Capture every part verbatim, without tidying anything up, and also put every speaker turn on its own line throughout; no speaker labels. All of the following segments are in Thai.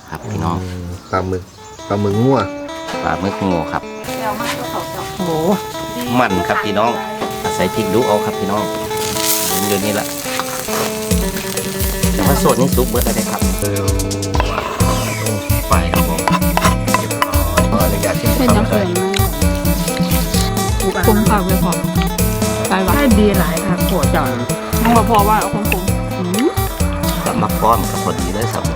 ครับพี่น้อง
ปลาหมึกปลาหมึกงัว
ปลาหมึกงูครับ
โอ้
มันครับพี่น้องอาศัยพริกดูเอาครับพี่น้องเดี๋ยวนี้ละแต่ว่าสดนี่ซุปเบิร์ดอะไรครับ
เออ
ไปครับผม
ขออนุญาตชิม
เป็นน้ำเกลือคุ้มผักเลยพอไปวะให้ดีหลายค่ะปวดจังต้องมาพอว่าเอาคุ้มคุ้ม
กับมักป้อมกับพอดีเลยครับ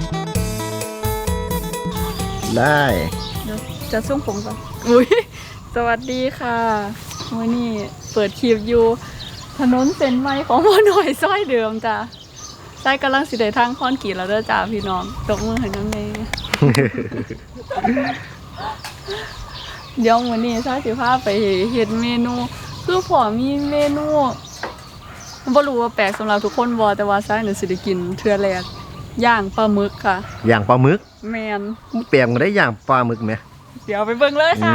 ได้
จะส่งผมก่อนอุ้ยสวัสดีค่ะวันนี้เปิดคลิปอยู่ถนนเส้นใหม่ของพ่อหน่อยซอยเดิมจ้ะใต้กำลังสิได้ทางค้อนกี่แล้วเด้อจ้าพี่น้องตกมือให้น้องเนยเดี๋ยววันนี้ซาสิพาไปเฮ็ดเมนูคือพอมีเมนูบ่รู้ว่าแปลกสำหรับทุกคนบ่แต่ว่าซาเนี่ยสิได้กินเทื่อแรกย่างปลาหมึกค่ะ
ย่างปลาหมึก
แมน
เปลี่ยนมาได้ย่างปลาหมึกไหม
เดี๋ยวไปเบิ่งเลยค่ะ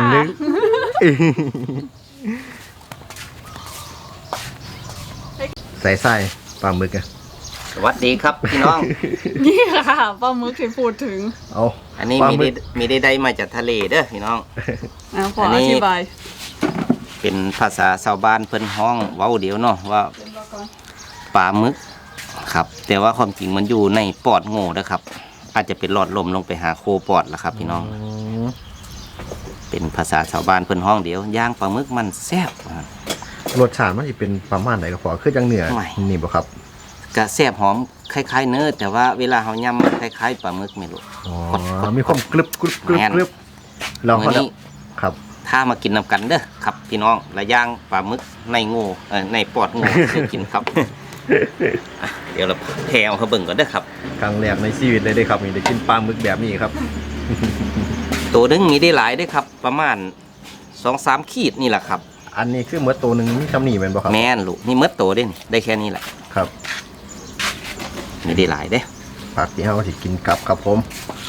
ใส่ไส้ปลาหมึกอะ
สวัสดีครับพี่น้อง
นี่ค่ะปลาหมึกที่พูดถึง
เอา
อันนี้มีได้มีได้ได้มาจากทะเลเด้อพี่น้อง
อ่าขออธิบาย
เป็นภาษาชาวบ้านเพิ่นห้องเว้าเดียวเนาะว่าปลาหมึกครับแต่ว่าความจริงมันอยู่ในปอดโง่นะครับอาจจะเป็นหลอดลมลงไปหาโคปอดละครับพี่น้องเป็นภาษาชาวบ้านเพิ่นห้องเดียวย่างปลาหมึกมันแซ่บ
รสชาติมันจะเป็นประมาณไหนก็พอคือจังเหนือนี่บ่ครับ
กะแซ่บหอมคล้ายๆเนื้อแต่ว่าเวลาเฮายำมันคล้ายๆปลาหมึกไม่รู้
อ๋อมีความกรึบกรึบกรึบกรึบ
เราเขานี้
ครับ
ถ้ามากินนำกันเด้อครับพี่น้องและย่างปลาหมึกในโง่ในปอดโง่เคยกินครับเดี๋ยวเราแผ่เอาเขาเบิ่งก่อนเด้อครับ
ครั้งแรกในชีวิตเลยได้ครับนี่ได้กินปลาหมึกแบบนี้ครับ
ตัวนึงมีได้หลายได้ครับประมาณสองสามขีดนี่แหละครับ
อันนี้คือเมื่อตัวหนึ่งมีคำหนีเป็นบ่ครับ
แม่นลูกนี่เมื่อโตได้ได้แค่นี้แหละ
ครับ
มีได้หลายเด้
ผักที่เราสิกินกับครับผม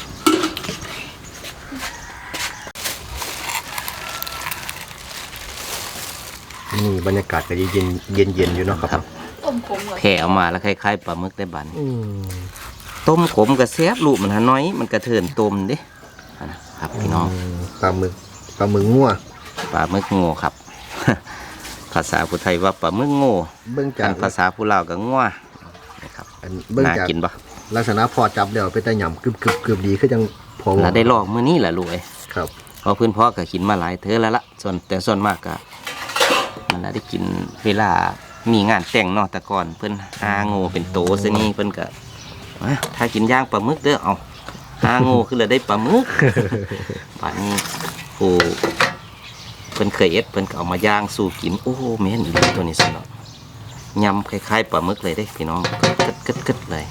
นี่บรรยากาศก็เย็นเย็นเย็นอยู่เนาะครับ
แ
ผ่เอามาแล้วคล้ายๆปลาหมึกได้บันต้มขมกับแซ่บลูกมันหาน้อยมันกระเทินต้มเด้ครับพี่น้อง
ปลาหมึกปลาหมึกงัว
ปลาหมึกโง่ครับภาษาผู้ไทยว่าปลาหมึกโง่
เบื้องจาก
ภาษาผู้ลาวก็งัวนะครับน่ากินปะ
ลักษณะพอจับเดี๋ยวไปแต่หย่ำกรึบกรึบกรึบดีคือจังพอ
เราได้ลอกมื้อนี้แหละลูกเอ้
ครับ
เพราะพื้นพ่อก็กินมาหลายเธอแล้วละส่วนแต่ส่วนมากก็มันได้กินเวลามีงานแต่งนอกแต่ก่อนเพิ่นหาโง่เป็นโตซะนี่เพิ่นก็ถ้ากินย่างปลาหมึกเด้อเอาหาโง่คือเราได้ปลาหมึกป่านนี้ผู้เพิ่นเคยเอ็ดเพิ่นก็เอามาย่างสู่กินโอ้โหแม่นอีหลีตัวนี้สิเนาะยำคล้ายๆปลาหมึกเลยได้พี่น้องกึดกึดเลย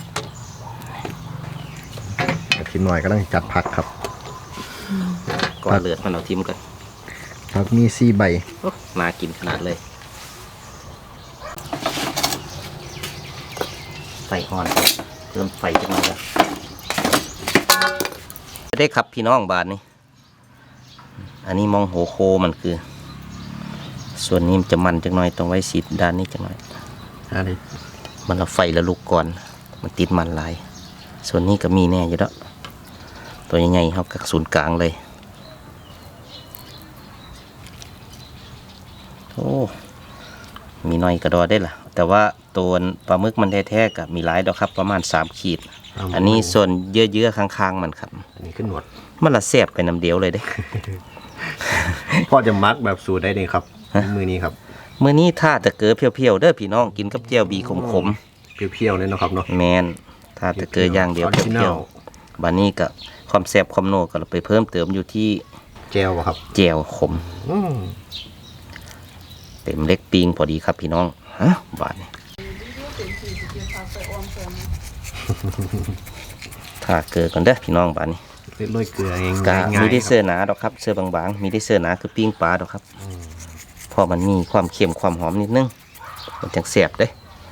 ทีมหน่อยก็ต้องจัดผักครับ
ก่อนเลือดมันเอาทิมกัน
ผักมีสี่ใบ
น่ากินขนาดเลยไฟอ่อนเพิ่มไฟจังเลยแล้วได้ครับพี่น้องบาทนี้อันนี้มองโหโคมันคือส่วนนี้มันจะมันจังหน่อยต้องไว้สีด้านนี้จังหน่อย
อะไร
มันเอาไฟแล้วลุกก่อนมันติดมันลายส่วนนี้ก็มีแน่อยู่แล้วตัวใหญ่ๆเขากับศูนย์กลางเลยโอ้มีน้อยกระดอได้ล่ะแต่ว่าตัวปลาหมึกมันแท้ๆกับมีหลายดอกครับประมาณสามขีดอันนี้ส่วนเยื่อๆข้างๆมันครับ
อันนี้ขึ้นหนวด
มันละแซ่บไปน้ำเดียวเลยเด้
พ่อจะมักแบบสูตรได้เลยครับมือนี้ครับ
มือนี้ถ้าจะเกลือเพียวๆเด้อพี่น้องกินกับเจียวบีขม
ๆเพียวๆเลยนะครับเนาะ
แมนถ้าจะเกลือย่างเดียวเพียวๆบานี้กับความแซ่บความโน่ก็เราไปเพิ่มเติมอยู่ที่
เจลครับ
เจลขมเต็มเล็กปิงพอดีครับพี่น้องฮะบาทนี้ถ้าเกลือก่อนเด้อพี่น้องบาทนี้
โรยเกลือเอง
กะมีได้เสื้อหนาดอกครับเสื้อบางๆมีได้เสื้อหนาคือปิ้งปลาดอกครับพอมันมีความเค็มความหอมนิดนึงมันจังแซ่บเด้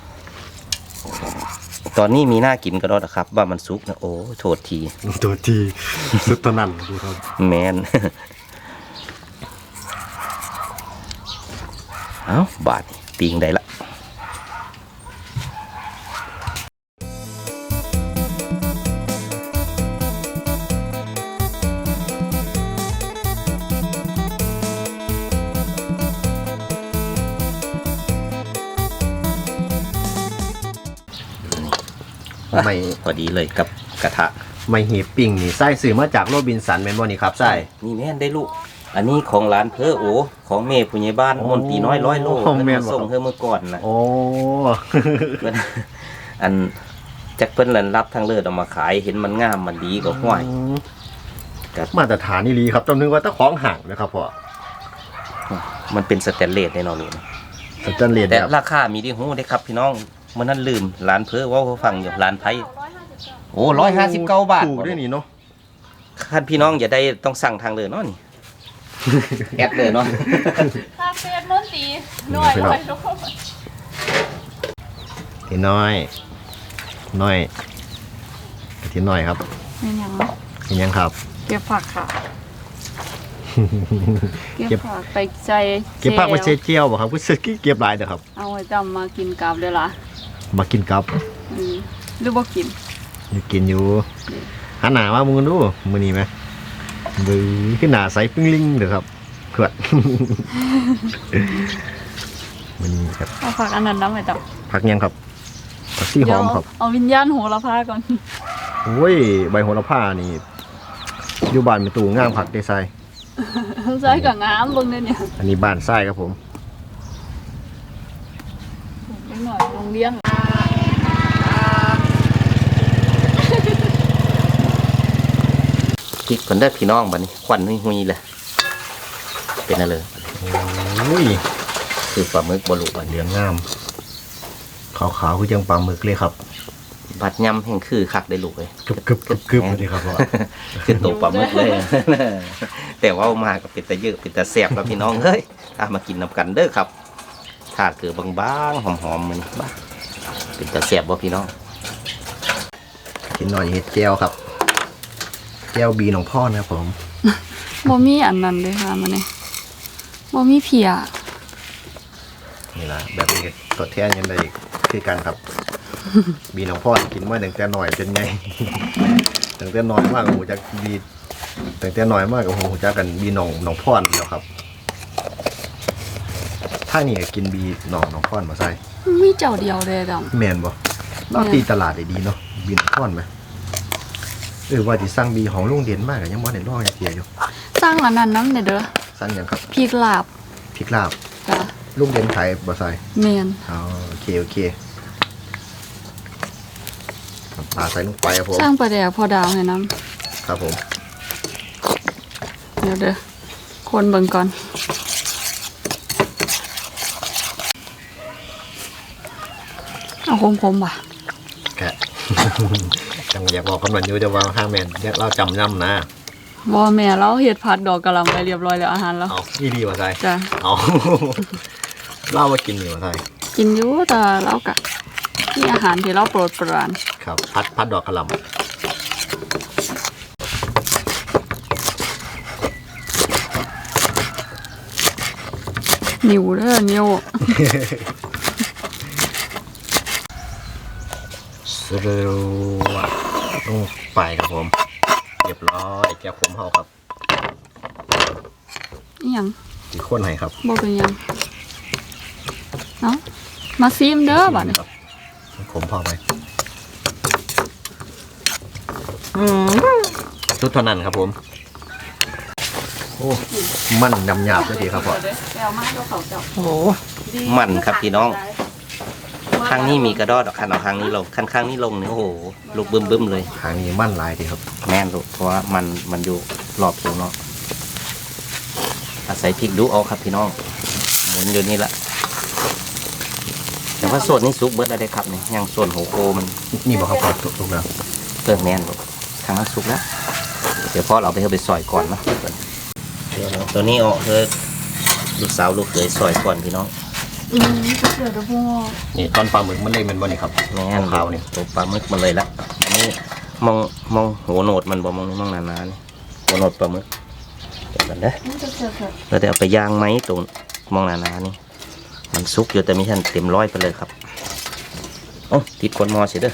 ตอนนี้มีหน้ากินก็ได้ครับว่ามันสุกนะโอ้โทษที
โทษทีสุดตนั่นดูครับ
แมนเอ้าบาทปิ้งได้ละ
ไม่
พอดีเลยกับกระทะ
ไม่หีบปิ้งนี่ไส้ซื้อมาจากโรบินสันแม่นบ่นี่ครับไส้
นี่แม่นได้ลูกอันนี้ของร้านเพอโอของเมย์ผู้ใหญ่บ้าน
โอ้
มนตรีน้อยร้อยโล
ของแม่
เพิ่น
นบ่
มาส่งเธอเมื่อก่อนนะ
โอ้
เพิ่นอันจักเพิ่นรันรับทางเลิศเอามาขายเห็นมันงามมันดีก็ห้วย ครับ
มาตรฐานนี่ลีครับต้องนึกว่าตะของห่างนะครับพ่อ
มันเป็นสแตนเลสในนอนนี่นะ
สแตนเลส
แต่
แบบ
ราคามีที่หูได้ครับพี่น้องเมื่อนั้นลืมร้านเพอเว่าเขาฟังอยู่ร้านไผโอ้ร้อยห้าสิบเก้าบาท
ถูกด้วยนี่เนาะ
คันพี่น้องอย่าได้ต้องสั่งทางเลยเนาะนี่ แอดเลยเนาะ
คาเฟ่น้นตีหน่อยหน่อยลูก
ทีน้อยน้อยทีน้อยครับ
เป็นยัง
เห็นยังครับ
เก็บผักค่ะ เก็บ
เก็บ
ผักไปใจ
เก็บผักมาเชเจียวบ่ครับผู้สึกเก็บหลายเด้อครับ
เอาไว้จำมากินกับเลยล่ะ
มากินกับ
อืมหรือบ่กิน
อยู่กินอยู่หันหน้ามามึงดูมื้อนี้ไหมบื้อขึ้นหน้าใสปิ้งลิงเด้อครับขวด มื้อนี้ครับ
เอาผักอันนั้นน้ำไว้จ
ผักยังครับผักชี
ำ
หอมครับ
เอาวิญญาณโหระพาก่อน
โอ้ยใบโหระพานี่อยู่บ้านเป็นตูงามผักได้ไซ
ใส่กับงามเบิ่งเด้อเนี่ย
อันนี้บ้านไส้ครับผม
เล็กหน่อยโรงเรียน
พริกคนได้อพี่น้องบัดนี้ควันหุยๆเลยเป็นอะไร
โอ้ย
คือปลาหมึกบลุบัด
เหลืองงามขาวๆคือจังปลาหมึกเลยครับ
บัดยำแห่งคือคักได้ลูกเลย
กึบกึบกึบกึบเลยครับพ่อ
คือตัวปลาหมึกเลย แต่ว่าเอามาก็เป็นตะเยอะเป็นตะแสบแล้วพี่น้องเฮ้ยอามากินนำกันเด้อครับถ้าเกิดบางๆหอมๆมันบ้าเป็นตะแสบบ่พี่น้อง
กินหน่อยเห็ดแก้วครับแก้วบีของพ่อนะครับผม
บ่มีอันนั้นเลยค่ะมันนี่บ่มีเพีย
นี่ละแบบนี้ก็ทดแทนยังไงคือกันครับ บีของพ่อกินมาตั้งแต่หน่อยจนไง ตั้งแต่น้อยมากโอ้โหจะบีตั้งแต่น้อยมากโอ้โหจะกันบีหนองหนองพ่อนแล้วครับ ถ้านี่ก็กินบีหนองหนองพ่อนมาใส่
มีเจ้าเดียวเลยดำ
แมนบ่เราตีตลาดได้ดีเนาะบีหนองพ่อนไหมเออว่าที่สร้างบีของลุงเด่นมากอะยังบ่ได้ลองอย่างเดียวอยู่
สร้างอันนั้นน้ำเนี่ยเด้อ
สั้นยังครับ
พริกลาบ
พริกลาบ
จ้ะ
ลุงเด่นขายบ่ใส่
แม่น
อ๋อโอเคโอเคน้ำปลาใส่ลงไปครับผม
สร้างปลาแดกพอดาวให้น้
ครับผม
ำเดี๋ยวเด้อคนเบิ่งก่อนเอาคมๆว่ะ
แกะ จังอยากบอกคนวันอยู่จะว่าห้าแมนอยากเล่าจำย่ำนะ
บ่แม่เราเฮ็ดผัดดอกกะหล่ำไปเรียบร้อยแล้วอาหารแล้ว
เอาอีดีว่าใส่
จ้ะ
เอา เล่ามากินอยู่ว่าใส่
กินอยู่แต่เรากะมีอาหารที่เราโปรดปราน
ครับพัดพัดดอกกระหล่
นิ้วเด้อนิ้ว
ำสรูวะลงไปครับผมเรียบร้อยแก้วผมเฮาครับ
อีหยัง
กี่คนให้ครับ
บ่เป็นหยังเนาะมาซิมเด้อบัดนี้
ครับผมพอไหมชุดเท่านั้นครับผมโอ้มันดำหยาบเลยดีครับพ่อ
แก้วมาเจ้าเขาเจ้า
โอ้มันครับพี่น้องข้างนี้มีกระดอดคันเอาข้างนี้ลงคันข้างนี้ลงเนี่ยโอ้โหลูกบึ้มๆเลย
ทางนี้มันหลายดีครับ
แม่นลูกเพราะว่ามันมันอยู่รอบผิวเนาะอาศัยพริกดูเอาครับพี่น้องหมุนอยู่นี่ละแต่ว่าส่วนนี้ซุกเบิร์ดอะไรครับเนี่ยยังส่วนหัวโคมัน
นี่บอกครับพ่อถูกแล้ว
เพิ่มแม่นลูกทางนั้นซุกแล้วเดี๋ยวพ่อเราไปเอาไปซอยก่อนเนาะตัวนี้เอาเธอลูกสาวลูกเขยซอยก่อนพี่น้อง
อืมเดี๋ยวเดี๋ยวพ่อ
นี่ตอนปลาหมึกมันเล่นมันบ่นี่ครับ
แม่น
ขาวๆนี่
ตัวปลาหมึกมาเลยละอันนี้มองมองหัวโหนดมันบ่มองนี่มองหนาๆนี่หัวโหนดปลาหมึกเดี๋ยวกันเด้อ
นี่จะเจอเถอะ
เราจะเอาไปย่างไหมตรงมองหนาๆนี่มันซุกอยู่แต่ไม่ทันเต็มร้อยไปเลยครับโอ้ติดกวนมอเสียเด้อ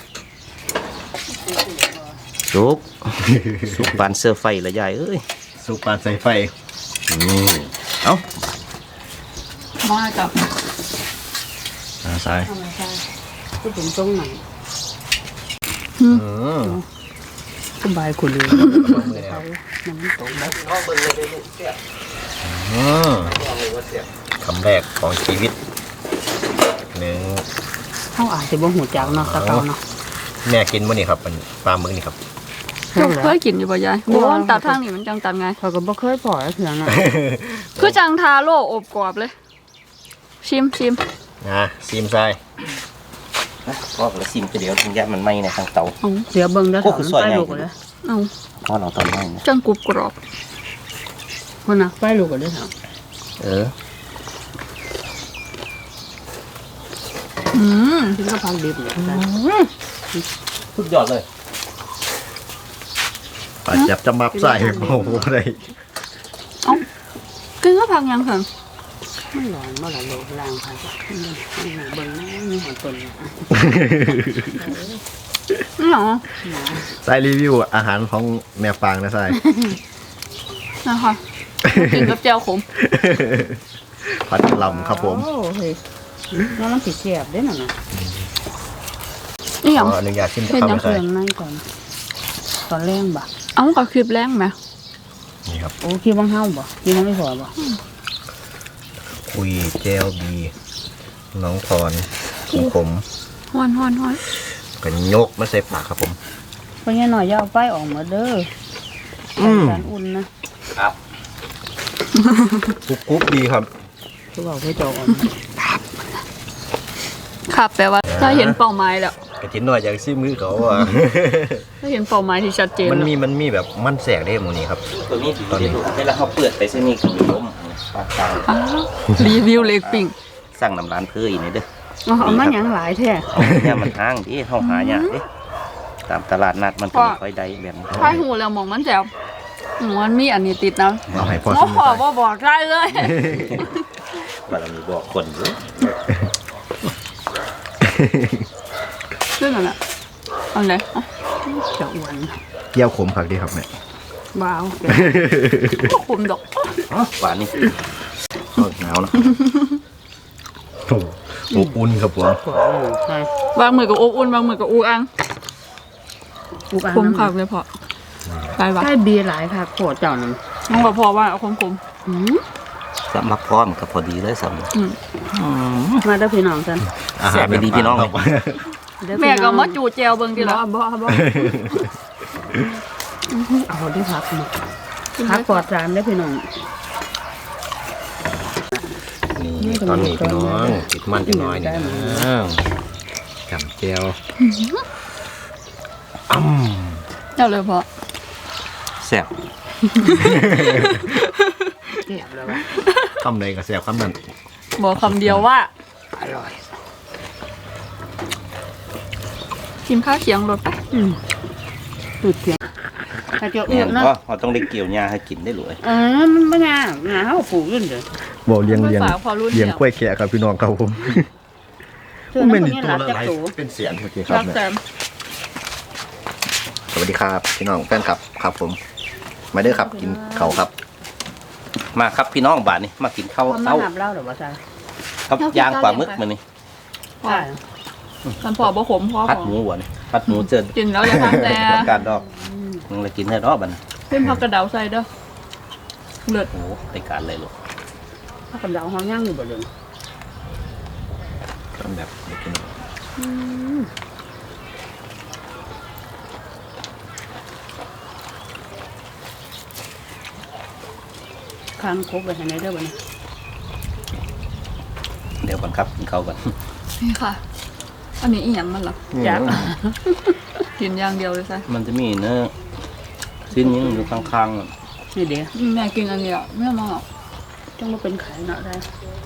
ซุก ซุกปานเสื้อไฟละยายเอ้ย
สุกปานใส่ไฟ
นี่เอ้า
มากับ
อ่าใส่
ทำไมใช่ก็ถึงตรงไหน
อืม
สบายคุณเลย
มือแล้ว
น้ำตกแบบ
น้องเบิ่งเลยได้ลูกเสียบ
อืม
น้องเลยว่าเสียบ
คำแรกของชีวิตหนึ่ง
เขาอาจจะบ่หูจักเนาะตะเกาเนาะ
แม่กินมื้อนี้ครับเป็นปลาหมึกนี่ครับ
เจ้าเคยกินอยู่ป่ะยายบอกว่ามันตัดทางนี่มันจังตัดไง
เขาก็บ่เคยปล่อยเถื่อนน่ะ
คือจังทาโร่อบกรอบเลย ชิมชิม
นะซีมไส้
นะก็ละซิมไปเดี๋ยวถึงยัดมันไหม้ในทางเตา
เอา
เสียเบิ่งเด้อ
โอ้
ถอน
คือซอย
ไฟ
ไง
ลูกเลย
เอา
เพราะเราตอนไหม้นะ
จังกรุบกรอบ
คนน่ะไฟลูกเลยถอน
เออ
อืม
กินก็พักดิบเลย
สุดยอดเลย
ปลาจับจะมับไส้โอ้โหอะไร
เอากินก็พักยังค่ะ
มันร้อนบ่ล่ะลูกล้างพักเบิ่งนะมีหอนต้นน่ะ
นี่หรอ
ไส้รีวิวอาหารของแม่ฟางนะไส้
นะคะกินกับแจ่วขม
ผัดลำครับผม
โอ้เฮ้ยน้องมันสิแซ่บเด้นั่นน่ะ
นี่ห
ข
ยัง
ออนุญาตชิม
เห็น
ข้าว
ยัง
นะ
เค
ไส้
รื่องในก่อน ตอนแรงบ่
เอากับคลิปแรงไหม
นี่ครับ
โอ้คิดว่าเฮาบ่คิดว่าไม่พอบ่
คุยเจลบีน้องทอนของผม
ฮ้อนฮ้อนฮ้อน
กันยกมาใส่ปากครับผม
เพราะงั้นหน่อยอย่าเอาไฟออกมาเด้อ
อืม
การอุ่นนะครับ
กรุบกรุบดีครับ
คือว่าเพื่อจะเอาออกมา
ครับแปลว่าถ้าเห็นเป้าหมายแล้ว
กระจินหน่อยจากซิมือเขาอ่ะ
ถ้าเห็นเป้าหมายที่ชัดเจน
มัน
แล้ว
มีมันมีแบบมันแสกได้หมูนี้ครับ
ตัวนี้ตอนนี้เวลาเขาเปิดไปเส้นนี้คือล้มปากกลาง
อ้าวรีวิวเล็กปิ้ง
สั่งน้ำร้านเพื่ออีกนี่เด้อ
เอาเอามาหยังหลายแท้
เอาเนี่ยมันห้างดิเขาหาเนี่ยดิตามตลาดนัดมันเป็นค่อยได้แบบนี้
ถ้าหูแล้วมองมันแจ๋วหมูมันมีอันนี้ติดนะ
เอาให้พ่อ
โอ้
ซิม
โหว่าบอกได้เลย
ว่าเรามีบอกคนอยู่
ซึ่งอันน่ะเอันไหนอ่ะ
จะอ้วน
เกี่ยวขมผักดีครับแม่
บ้าว
ก็คุมดอก
อ๋อหวานนี่โอ้ยหนาวนะ
โอ้อบอุ่นครับผม
ขวาใช่
บางมือกับอบอุ่นบางมือกับอูอัง
อุกอัน
คมคักเลยพอใช่ปะ
ใช่เบียร์หลายค่ะโคตรเจ้านั่น
น้องบอกพอว่าเอาคมคม
อืม
สำหรับพร้อมกับพอดีเลยสำหรับ
ๆอืม
มาเด้อพี่น้องกัน
อาหาร
แสบไปดีพี่น้อง
ครับ
เด้อ
แม่
พี่น้
ก็
อง
มาจูเจลเบิ่งทีละ
บ่บ่บ่เอาด้วยพักมาพักปลอดสารเด้อพี่น้อง
นี่ตอนนี้พี่น้องติดมันจะน้อยนี่นะจำเจียวอ้ำ
เจ้าเลยพอ
แซ่บ
เก็บแล้ววะ
คำใดกับแสบคำนั้น
บอกคำเดียวว่า
อร่อย
กินข้าวเคียงรถไป
อืมตุดเสียงถ้าจะ
เนี่
อ้
ย
วนนะ
ก็เราต้องได้เกี่ยวหญ้าให้กินได้เลย
เออมันไม่ง่ายงาเขาปลูกขึ้นเด้อ
บอกเลี้ยงเลี้ยง
ฝากพอรุ่น
เลี้ยง
เดียว
กล้วยแขกครับพี่น้องครับผม
เชื่อนะคนนี้หลับจากตู
เป็นเสียงโอเคครับ
รักแซม
สวัสดีครับพี่น้องแฟนครับครับผม มาเด้อครับกินเขาวครับ
มาครับพี่น้องบาทนี่มากินข้าว
เขามา
เต้า
หับเล่าหรือว่าใช่
ครับย่างปลาหมึกมานี่
พอฉันพอบ่ขมพอ
พัด
ขอ
หมูหวานพัดหมูเจิน
กินแล้วจะทำแต่
การดอกมึงเลยกินได้รอบบัดน
เพิ่มผักกระเดาใส่เด้อเลือด
โอ้โหได้การเลยลูก
ถ้ากับเราเขาย่างอยู่บ่เดิม
ทำแบบเด็กพี่น้อง
ค้างคบไปให้ในเด้อบ่เนี่ย
เดี๋ยวก่อนครับกินข้าวก่อน
นี่ค่ะ อันนี้อีหยังมันเหรอ
จัก
กินอย่างเดียวเลยใช่
มันจะมีเนื้อชิ้นนี้อยู่ข้างๆอะ
นี่เดี๋ยว
แม่กินอันเดียวไม่เอามาหรอก
จังมาเป็นไข่เนาะได้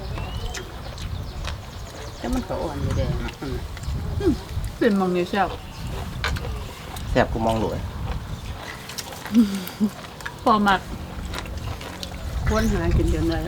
แต่มันก็อ่อนอยู่เด้เนาะอืม
เป็นมังนี่แซ่บ
แซ่บกูมองหลวย
พอมัก
ควรหากินจนได้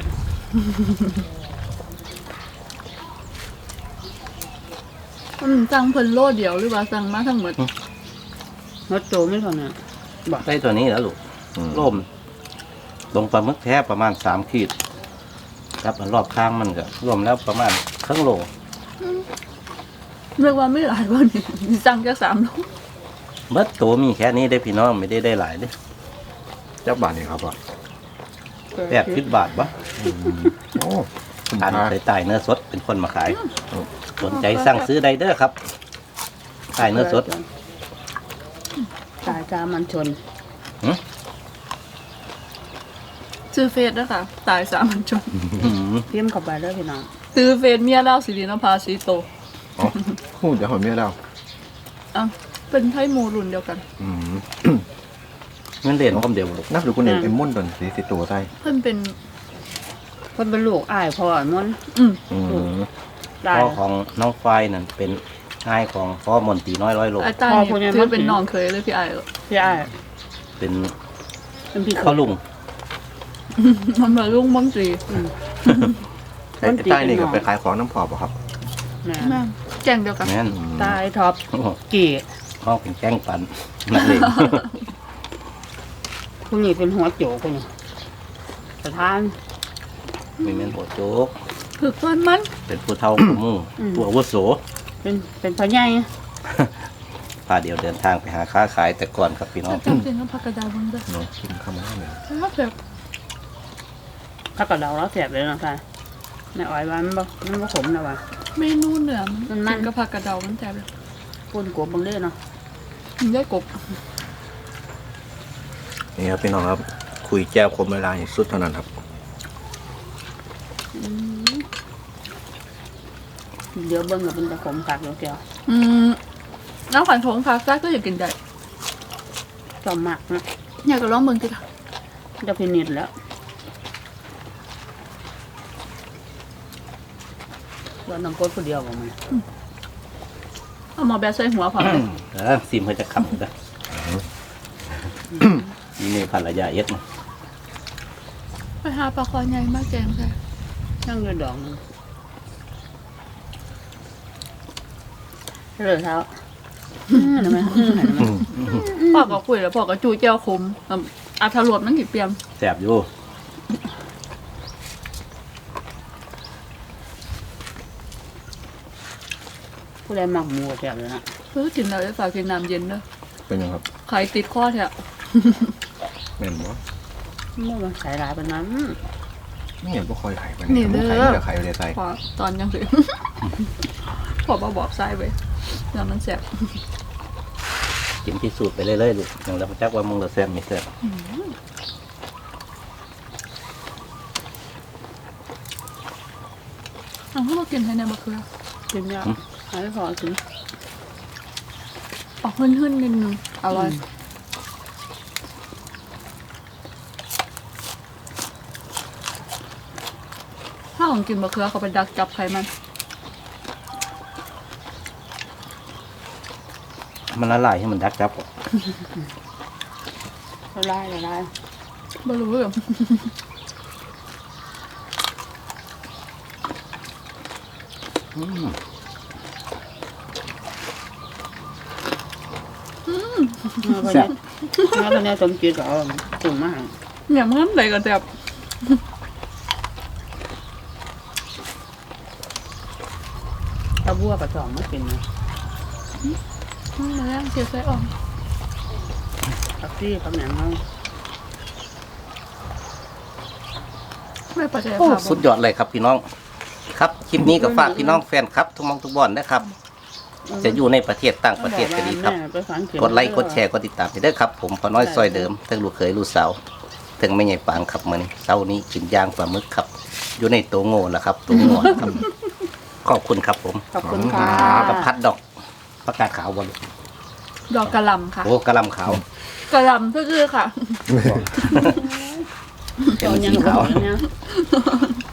อืมสั่งเพิ่นโลเดียวหรือว่าสั่งมาทั้งหมด
รสโจไม่เท่านั้น
ได้ตัวนี้แล้วลูกร่มลงปลาหมึกแท้ประมาณสามขีดครับอันรอบข้างมันก็รวมแล้วประมาณครึ่งโล
เรียกว่าไม่หลายวันนี่สั่งแค่สามโล
เบิดตัวมีแค่นี้ได้อพี่น้องไม่ได้ได้หลายเด้อ
จับบาทนี่ครับพ่อ
แปดสิบบาทบ่
โอ้คุ้ม
ทาน
ค่า
ใส่ใต้เนื้อสดเป็นคนมาขายสนใจสั่งซื้อได้เด้อครับใต้เนื้อสด
ตายจามันชน
ซื้อเฟซด้วยค่ะ ตายสามัญชน
อื้อหือ
พิมพ์เข้าไปเด้อพี่น้อง
ซื้อเฟซเมียเล่าสิรินภาสีโต
อ๋อพูดเดี๋ยวหอยเมียแล้ว
อ่ะเป็นไทยหมูรุ่นเดียวกัน
อืม
เงินเดือนก็เดียวลูก
นับดูคุณเอกเป็นมุ่นตนสีสิตัวใส่
เพิ่นเป็น
เพิ่นเป็นลูกอ้ายพ่อมนต์
อืม
อืม
ได้
พ่อของน้องฝ้ายนั่นเป็นชายของพ่อมนตรีน้อยร้อยโล
ไอ้ตานี่ถือเป็นน้องเคยเลยพี่ไอ้าย
พี่อ้าย
เป็น
เป็นพี่
ข้าวลุง
มันมาลุงมังจี
ไอ้ไอ้ใต้นี่ก็ไปขายของน้ำพอป่ะครับ
แม่
แม่แจ้งเดียวกัน
แม่น
ตายท็อป
โอ้โห
กี่
พ่อเป็นแจ้งปันนักเลง
ผู้นี้เป็นหัวโจกคนนี้สถาน
มีแม่นหัวโจก
คือเพิ่นมัน
เป็นผู้เฒ่าผู้หมู่ผู้อาวุโส
เป็นเป็นพ่อใหญ่
พาเดียวเดินทางไปหาค้าขายแต่ก่อนครับพี่น้อง
จำเป็นต้องพักกระดาษบังเด้อ
เนาะกินข้าวมันเนี่ย
ถ้าแบบ
ถ้ากับเราแล้วแสบเลยเนาะค่ะแม่อ้อยว่ามันบ่มันบ่ขมนะว่ะ
เมนูเหนือมัน
มันมัน
กินกับผักกระเดามันแซ่บเลย
ปุ่นกลัวบังเด้อเนาะ
มันได้กบ
นี่ครับพี่น้องครับ คุยแจ้วคมเวลาอย่างสุดเท่านั้นครับ
เดี๋ยวเบิ่งก็เป็นตะขมกัดเดี๋ยวเกี่ยว
อืมน้ำขวัญของผักซ่าก็อยากกินได้
ชอบมากนะ
อยากจะลองเบิ่งสิค่ะ
จะพินิจแล้วว่าน้องกดผู้เดียวบ่มัน
เอามาแบบใส่หัวผักเลย
เออซิมเพื่อจะขำกันนี่นี่ภรรยาเอ็ดนะ
ไปหาปลาคอใหญ่มากแกงใส่
นั่งอยู่ดอกหนึงเลยเท้าอื้อเห็นไหมอื้อเห็นไหม
พ่อก็คุยแล้วพ่อก็จูเจ้าคมอ่ะอาถรวบนั่งกี่เปียม
แสบอยู่
ผู้ใดมักหมูแซ่บเลยนะ
เพื่อกินแล้วจะฝากกินน้ำเย็นเด้อ
เป็นยังครับ
ไข่ติดข้อแท้
แม่นบ่
เมื่อมันใส่หลายปานนั้น
ไม่เห็นพวกคอยไข่ไปเนี่ยไข่ไม่ได้ไข่เลยใส่
พอตอนยังสิ พอมาบอกไส้ไปแล้วมันแซ่บ
กินพิสูจน์ไปเรื่อยๆลูกอย่างเราจักว่ามึงเราแซ่บไม่แซ่บ
เอาพวกเรากินให้ในมะเขือ
กินยากหายพอกิน
ออกหื่นๆนิดนึงอร่อยถ้าของกินมะเขือเขาไปดักจับไขมัน
มันละลายให้มันดักจับก่อน
ละลายละลาย
ไม่รู้เรื่อง
อืม
เมื่อคนนี้เมื่อคนนี้สมจิตก็เอาตุ่มมาให้
เนี่ยมันไหนก็แซ่บ
ถ้าบัวกับสองมากินนะ
อืมมาแล้วเสียไส้อ่อน
ผักซี่ผักแหนมเขา
ไม่ปัจจัย
โอ้
ภาพ
สุดยอดเลยครับพี่น้อง ครับคลิปนี้ก็ฝากพี่น้องแฟนครับ ทุกหมองทุกบอนนะครับ จะอยู่ในประเทศต่างประเทศก็ดีครับ
แม่ไปฝังเข็ม
กดไลค์กดแชร์กดติดตามไปเด้อครับ ผมพอน้อยซอยเดิมทั้งลูกเขยลูกสาวทั้งแม่ใหญ่ปางครับมื้อนี้เช้านี้กินย่างปลาหมึกครับ อยู่ในโตโง่แล้วครับโตโง่ครับ ขอบคุณครับผม
ขอบคุณค่ะ
กับพัดดอกประกาศขาวบอล
ดอกกระหลำค่ะ
โอ้กระหลำขาว
กระหลำก็คือค่ะ
เป็น
ตอนยั
สี
ง
ขาว
บอกแล้วเนี่ย